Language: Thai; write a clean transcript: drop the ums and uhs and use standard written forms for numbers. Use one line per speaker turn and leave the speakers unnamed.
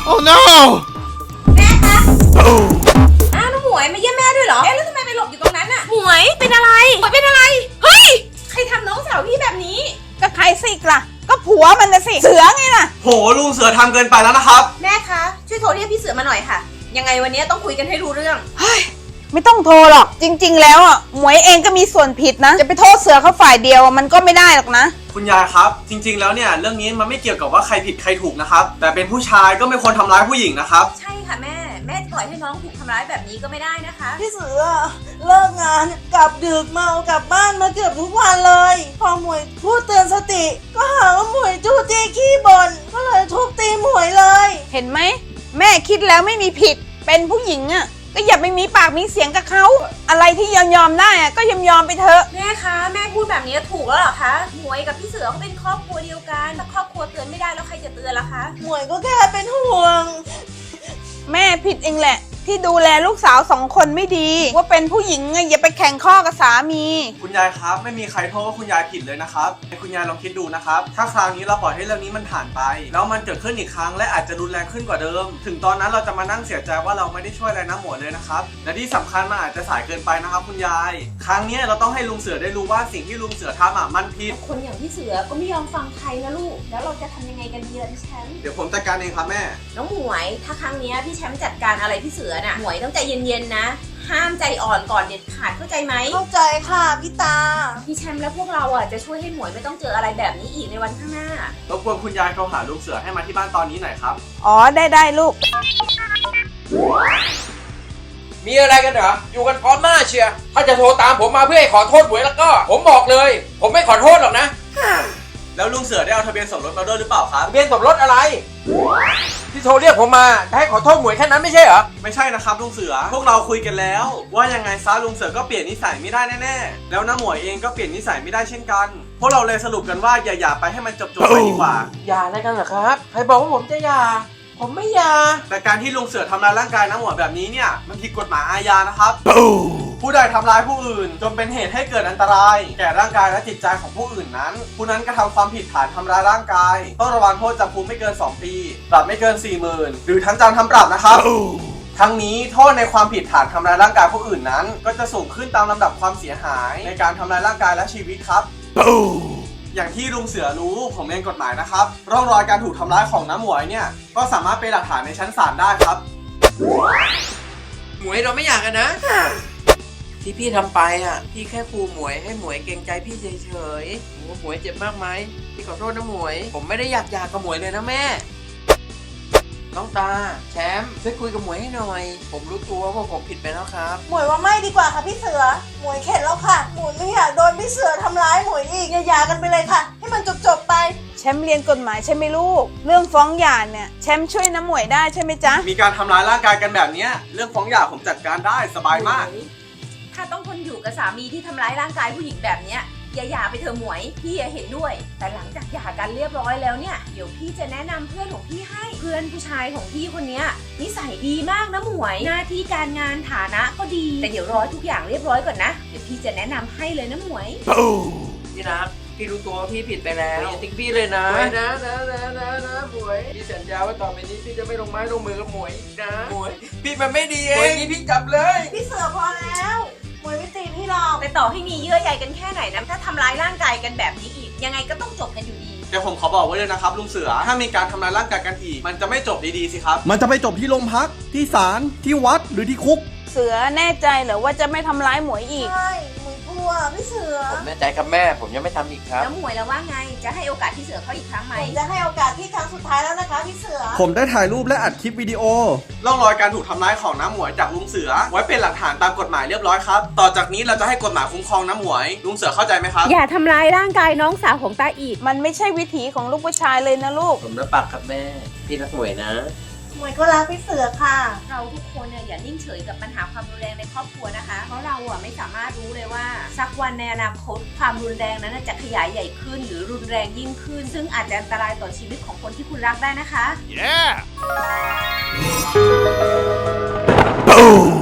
Oh no
แม่คะอ้าวน้องหมวยมาเยี่ยมแม่ด้วยเหรอเอ๊ะแล้วทำไมไปหลบอยู่ตรงนั้นน่ะหมวยเป็นอะไรหมวยเป็นอะไรเฮ้ยใครทำน้องสาวพี่แบบนี้
ก็ใครสิล่ะก็ผัวมันนะสิเสือไงล่ะ
โหลุงเสือทำเกินไปแล้วนะครับ
แม่คะช่วยโทรเรียกพี่เสือมาหน่อยค่ะยังไงวันนี้ต้องคุยกันให้รู้เรื่อง
เฮ้ยไม่ต้องโทรหรอกจริงๆแล้วอ่ะหมวยเองก็มีส่วนผิดนะจะไปโทษเสือเขาฝ่ายเดียวมันก็ไม่ได้หรอกนะ
คุณยายครับจริงๆแล้วเนี่ยเรื่องนี้มันไม่เกี่ยวกับว่าใครผิดใครถูกนะครับแต่เป็นผู้ชายก็ไม่ควรทำร้ายผู้หญิงนะครับ
ใช่ค่ะแม่ปล่อยให้น้องถูกทำร้ายแบบนี้ก็ไม่ได้นะคะ
พี่เสือเลิกงานกลับดึกเมากลับบ้านมาเกือบทุกวันเลยพอหมวยพูดเตือนสติก็หาว่าหมวยจู้จี้ขี้บ่นก็เลยทุบตีหมวยเลย
เห็นไหมแม่คิดแล้วไม่มีผิดเป็นผู้หญิงอ่ะก็อย่าไปมีปากมีเสียงกับเขาอะไรที่ยอมได้อ่ะก็ยอมไปเถอะ
แม่คะแม่พูดแบบนี้ถูกแล้วเหรอคะหมวยกับพี่เสือเขาเป็นครอบครัวเดียวกันถ้าครอบครัวเตือนไม่ได้แล้วใครจะเตือนล่ะคะ
หมวยก็แค่เป็นห่วง
แม่ผิดเองแหละที่ดูแลลูกสาว2 คนไม่ดีว่าเป็นผู้หญิงไงอย่าไปแข่งข้อกับสามี
คุณยายครับไม่มีใครโทษว่าคุณยายผิดเลยนะครับคุณยายลองคิดดูนะครับถ้าคราวนี้เราปล่อยให้เรื่องนี้มันผ่านไปแล้วมันเกิดขึ้นอีกครั้งและอาจจะรุนแรงขึ้นกว่าเดิมถึงตอนนั้นเราจะมานั่งเสียใจว่าเราไม่ได้ช่วยอะไรน้ำหมวยเลยนะครับและที่สำคัญมันอาจจะสายเกินไปนะครับคุณยายครั้งนี้เราต้องให้ลุงเสือได้รู้ว่าสิ่งที่ลุงเสือทำมันผิด
คนอย่างพี่เสือก็ไม่ยอมฟังใครนะลูกแล้วเราจะทำยังไงกันดีล่ะพี่แชมป์
เดี๋ยวผมจัดการเองครับแม่
น้องหมวยถ้าครั้งนี้พี่แชมป์จัดการอะไรพี่เสือน่ะหมวยต้องใจเย็นๆนะห้ามใจอ่อนก่อนเด็ดขาดเข้าใจไหม
เข้าใจค่ะพี่ตา
พี่แชมป์และพวกเราจะช่วยให้หมวยไม่ต้องเจออะไรแบบนี้อีกในวันข้างหน้าร
บกวนคุณยายโทรหาลุงเสือให้มาที่บ้านตอนนี้หน่อยครับ
อ๋อได้ลูก
มีอะไรกันเหรออยู่กันพร้อมหน้าเชียร์ถ้าจะโทรตามผมมาเพื่อให้ขอโทษหมวยแล้วก็ผมบอกเลยผมไม่ขอโทษหรอกนะ
แล้วลุงเสือได้เอาทะเบียนสมรสมาด้วยหรือเปล่าครับ
ทะเบียนสมรสอะไรที่โทรเรียกผมมาจะให้ขอโทษหมวยแค่นั้นไม่ใช่เหรอ
ไม่ใช่นะครับลุงเสือพวกเราคุยกันแล้วว่ายังไงซะลุงเสือก็เปลี่ยนนิสัยไม่ได้แน่ๆแล้วน้าหมวยเองก็เปลี่ยนนิสัยไม่ได้เช่นกันพวกเราเลยสรุปกันว่าอย่าไปให้มันจบไปดีกว่า
อย่าอะไรกันเหรอครับใครบอกว่าผมจะอย่าผมไม่อย่า
แต่การที่ลุงเสือทำร้ายร่างกายน้าหมวยแบบนี้เนี่ยมันผิดกฎหมายอาญานะครับผู้ใดทำร้ายผู้อื่นจนเป็นเหตุให้เกิดอันตรายแก่ร่างกายและจิตใจของผู้อื่นนั้นผู้นั้นกระทำความผิดฐานทำร้ายร่างกายต้องระวังโทษจำคุกไม่เกิน2 ปีปรับไม่เกิน 40,000 หรือทั้งจำทั้งปรับนะครับทั้งนี้โทษในความผิดฐานทำร้ายร่างกายผู้อื่นนั้นก็จะสูงขึ้นตามลำดับความเสียหายในการทำร้ายร่างกายและชีวิตครับอย่างที่ลุงเสือรู้ผมเรียนกฎหมายนะครับร่องรอยการถูกทำร้ายของน้าหมวยเนี่ยก็สามารถเป็นหลักฐานในชั้นศาลได้ครับ
หมวยเราไม่อยากกันนะที่พี่ทำไปพี่แค่คูหมวยให้หมวยเกรงใจพี่เฉยๆโอ้หมวยเจ็บมากไหมพี่ขอโทษนะหมวยผมไม่ได้อยากกับหมวยเลยนะแม่น้องตาแชมป์ช่วยคุยกับหมวยให้หน่อยผมรู้ตัวว่าผมผิดไปแล้วครับ
หมวยว่าไม่ดีกว่าค่ะพี่เสือหมวยเข็ดแล้วค่ะหมวยไม่อยากโดนพี่เสือทำร้ายหมวยอีกอย่ากันไปเลยค่ะให้มันจบไป
แชมป์เรียนกฎหมายใช่ไหมลูกเรื่องฟ้องหย่าเนี่ยแชมป์ช่วยน้าหมวยได้ใช่ไหมจ๊ะ
มีการทำร้ายร่างกายกันแบบนี้เรื่องฟ้องหย่าผมจัดการได้สบายมาก
ถ้าต้องทนอยู่กับสามีที่ทำร้ายร่างกายผู้หญิงแบบเนี้ยอย่าหย่าไปเถอะหมวยพี่เห็นด้วยแต่หลังจากหย่ากันเรียบร้อยแล้วเนี่ยเดี๋ยวพี่จะแนะนำเพื่อนของพี่ให้เพื่อนผู้ชายของพี่คนนี้นิสัยดีมากนะหมวยหน้าที่การงานฐานะก็ดีแต่เดี๋ยวรอทุกอย่างเรียบร้อยก่อนนะเดี๋ยวพี่จะแนะนำให้เลยนะหมวย
พี่รักพี่รู้ตัวว่าพี่ผิดไปแล้วอย่าทิ้งพี่เลยนะนะหมวยพี่สัญญาว่าต่อไปนี้พี่จะไม่ลงไม้ลงมือกับหมวยนะหมวยพี่มันไม่ดีเองนี่พี่จับเลย
พี่เสือพอแล้วหมวยไม่ตีพี่หรอก
แต่ต่อให้มีเยื่อใยกันแค่ไหนนะถ้าทำร้ายร่างกายกันแบบนี้อีกยังไงก็ต้องจบกันอยู่ดี
เดี๋ยวผมขอบอกไว้เลยนะครับลุงเสือถ้ามีการทำร้ายร่างกายกันอีกมันจะไม่จบดีๆสิครับ
มันจะไปจบที่โรงพักที่ศาลที่วัดหรือที่คุก
เสือแน่ใจเหรอว่าจะไม่ทำร้ายหมวยอีก
ใช่หมวยกลัวพี่เสือ
ผมแน่ใจครับแม่ผมยังไม่ทำอีกครับ
แล้วหมวยแล้วว่าไงจะให้โอกาสพี่เสือเขาอีกครั้งไหม
ผมจะให้โอกาสพี่ครั้งสุดท้ายแล้วนะคะพี่เสือ
ผมได้ถ่ายรูปและอัดคลิปวิดีโอ
ร่องรอยการถูกทำร้ายของน้าหมวยจากลุงเสือไว้เป็นหลักฐานตามกฎหมายเรียบร้อยครับต่อจากนี้เราจะให้กฎหมายคุ้มครองน้าหมวยลุงเสือเข้าใจไหมครับ
อย่าทำร้ายร่างกายน้องสาวของตาอีก
มันไม่ใช่วิถีของลูกผู้ชายเลยนะลูก
ผมรับปากครับแม่พี่รักหมวยนะ
หมวยก็รักพี่เสือค่ะ
เราทุกคนเนี่ยอย่านิ่งเฉยกับปัญหาความรุนแรงในครอบครัวนะคะเพราะเราไม่สามารถรู้เลยว่าสักวันในอนาคตความรุนแรงนั้นจะขยายใหญ่ขึ้นหรือรุนแรงยิ่งขึ้นซึ่งอาจจะอันตรายต่อชีวิตของคนที่คุณรักได้นะคะ
Yeah